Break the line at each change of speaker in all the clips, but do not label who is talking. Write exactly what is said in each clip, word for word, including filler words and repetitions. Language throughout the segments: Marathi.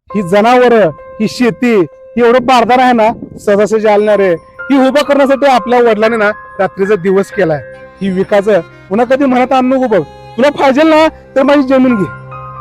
ही जनावर, ही शेती, ही एवढं बारदार आहे ना, सहजासहजी आलणार आहे. ही उभं करण्यासाठी आपल्या वडिलांनी ना रात्रीचा दिवस केलाय. ही विकायचं पुन्हा कधी म्हणत आण नको बघ. तुला पाहिजे ना तर माझी जमीन घे.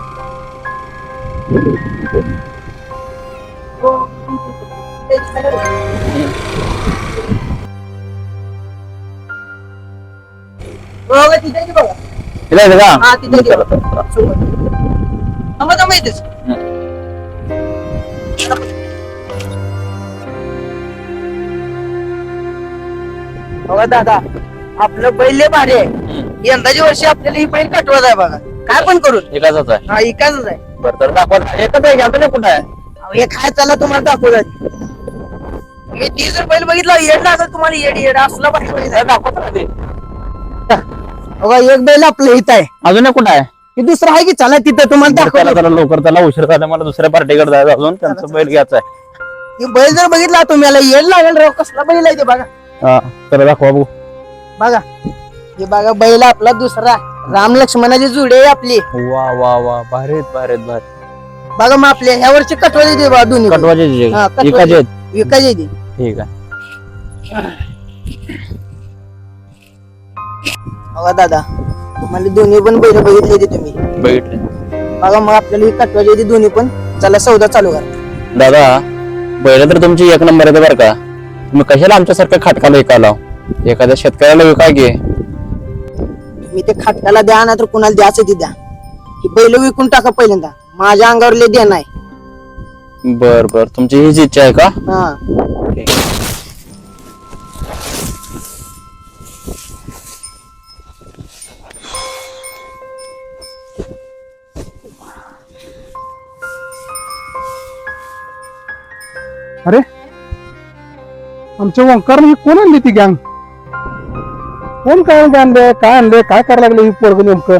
बघा दादा, आपलं बैल लय भारी आहे. यंदाच्या वर्षी आपल्याला ही बैल कटवत आहे बघा. काय पण करून
एकाच आहे.
हा इकाच आहे.
बरं तर दाखवा. एकच आहे घ्या कुठं आहे?
अहो, हे काय चालला तुम्हाला दाखवलं. मी ती जर बैल बघितला येड लागल तुम्हाला. येड येड असला पाहिजे.
दाखवा ते.
बघा एक बैल आपलं इथं आहे.
अजून एक कुठं आहे?
हे दुसरं आहे की चला तिथं तुम्हाला
त्याला
दाखवलं.
जरा लवकर, त्याला उशीर झाला. मला दुसऱ्या पार्टीकडे जायचं अजून. त्यांचं बैल घ्यायचं आहे.
हे बैल जर बघितला तुम्हाला येड लागेल राव. कसला बैल आहे ते बघा.
हा तर दाखवा बघू.
बघा हे बघा बैल आपला दुसरा राम लक्ष्मणाची जुडी आहे आपली.
वा वा वा भारीत भारीत भारी.
बघा मग आपल्या ह्या वर्षी कटवायची ते बघा दोन्ही बैल.
कटवाचे
हा, कटवाचे.
एकाचे आहेत.
विकायची ती.
ठीक आहे.
बघा दादा, तुम्हाला दोन्ही पण बैल बघितले ते तुम्ही.
बघितले
बघा मग आपल्याला ही कटवायची ती दोन्ही पण. चला सौदा चालू करा.
दादा. बैल तर तुमची एक नंबर येते बरं का. तुम्ही कशाला आमच्यासारख्या खाटकाला विकायला? एखाद्या शेतकऱ्याला विकाय घे.
तुम्ही ते खाटकाला द्या ना तर कुणाला द्यायचं ते द्या. ही बैल विकून टाका पहिल्यांदा. माझ्या अंगावर लय देणं आहे.
बर बर तुमची हीच इच्छा आहे का?
हा
ठीक.
अरे आमच्या ओंकार ही कोण आणली ती गँग? कोण काय आणले, काय आणले, काय करायला लागले ही पोरग नेमकं?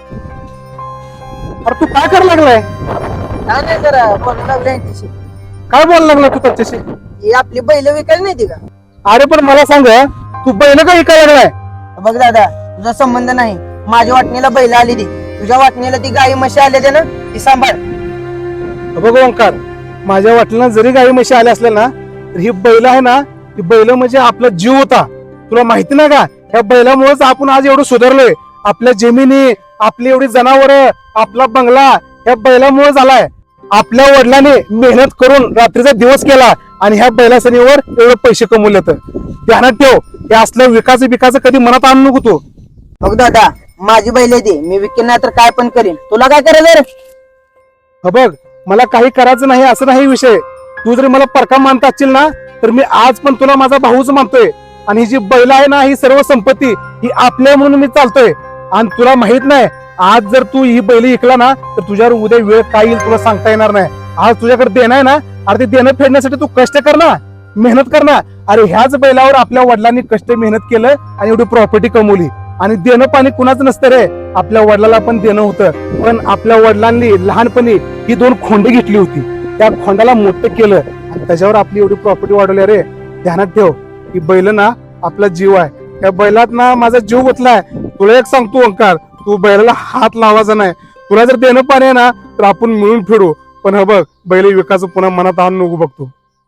अरे तू काय करायला लागलाय?
काय नाही जरा बोलायला लागले यांच्याशी.
काय बोलायला लागला तू त्याच्याशी?
ही आपली बैल विकायला नाही ती का?
अरे पण मला सांग, तू बैल का विकायला लागलाय?
बघ दादा, तुझा संबंध नाही. माझ्या वाटणीला बैल आली ती. तुझ्या वाटणीला ती गाई म्हशी आले ते ना, ती सांभाळ.
बघ ओंकार, माझ्या वाटलं जरी गाई म्हशी आल्या असल्या ना तर ही बैल आहे ना, ही बैल म्हणजे आपला जीव होता. तुला माहिती नाही का? ह्या बैलामुळेच आपण आज एवढं सुधारलोय. आपल्या जमिनी, आपली एवढी जनावर, आपला बंगला ह्या बैलामुळे झालाय. आपल्या वडिलांनी मेहनत करून रात्रीचा दिवस केला आणि ह्या बैलासनीवर एवढे पैसे कमवले. तर ध्यानात ठेव, हे असलं विकास विकास कधी मनात आणू नको तू.
बघ दादा, माझी बैल आहे ती. मी विकेन नाही तर काय पण करीन. तुला काय करायचं रे?
हा बघ, मला काही करायचं नाही असं नाही विषय. तू जरी मला परका मानता असशील ना तर मी आज पण तुला माझा भाऊच मानतोय. आणि ही जी बैल आहे ना, ही सर्व संपत्ती ही आपल्या म्हणून मी चालतोय. आणि तुला माहित नाही, आज जर तू ही बैल विकला ना तर तुझ्यावर उद्या वेळ काय येईल तुला सांगता येणार नाही. आज तुझ्याकडे देणं आहे ना, अरे ते देणं फेडण्यासाठी तू कष्ट कर ना, मेहनत कर ना. अरे ह्याच बैलावर आपल्या वडिलांनी कष्ट मेहनत केलं आणि एवढी प्रॉपर्टी कमवली. आणि देणं पाणी कुणाचं नसतं रे. आपल्या वडिलाला पण देणं होतं, पण आपल्या वडिलांनी लहानपणी ही दोन खोंड घेतली होती. त्या खोंडाला मोठं केलं आणि त्याच्यावर आपली एवढी प्रॉपर्टी वाढवली. रे ध्यानात ठेव, ही बैल ना आपला जीव आहे. त्या बैलात ना माझा जीव गुंतलाय. तुला एक सांगतो ओंकार, तू बैलाला हात लावायचा नाही. तुला जर देणं पाणी आहे ना तर आपण मिळून फिरू. पण हे बघ, बैल विकास पुन्हा मनात आणून नको बघतो.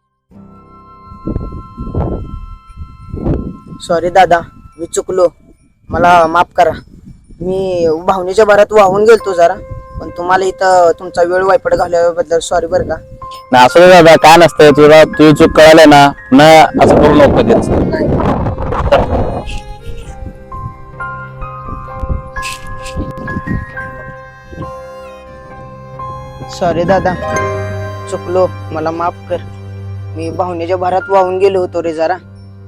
सॉरी दादा, मी चुकलो. मला माफ करा. मी भावनेच्या भरात वाहून गेलतो जरा. पण तुम्हाला इथं तुमचा वेळ वायपट घालवल्याबद्दल सॉरी बरं का.
ना असं नाही दादा, काय नसतं. तुला तुझी चूक कळाली ना, ना असं करू नको कधीच.
सॉरी दादा, चुकलो. मला माफ कर. मी भावनेच्या भरात वाहून गेलो होतो रे जरा.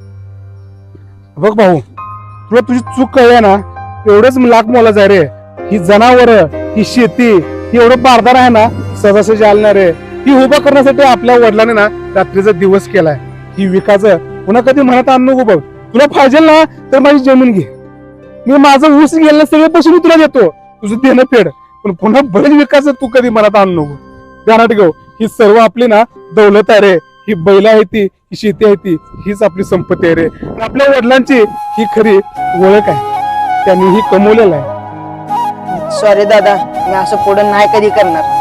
बघ भाऊ, तुला तुझी चूक कळली ना, एवढंच लाख मोलाचं आहे रे. ही जनावर, ही शेती, ही एवढं बारदार आहे ना, सहजासहजी आलणार आहे. ही उभं करण्यासाठी आपल्या वडिलांनी ना रात्रीचा दिवस केलाय. ही विकायचं पुन्हा कधी म्हणत आण नको बघ. तुला पाहिजे ना तर माझी जमीन घे. मी माझं ऊस गेलं सगळे पैसे मी तुला देतो. तुझं देणं फेड. पण पुन्हा बरेच विकास तू कधी मनात आणू नको. ध्यानात ठेव, ही सर्व आपली ना दौलत आहे रे. ही बैल आहे ती, ही शेती आहे ती, हीच आपली संपत्ती आहे रे. आपल्या वडिलांची ही खरी ओळख आहे. त्यांनी ही कमवलेलं आहे.
सॉरी दादा, मी असं पुढे नाही कधी करणार.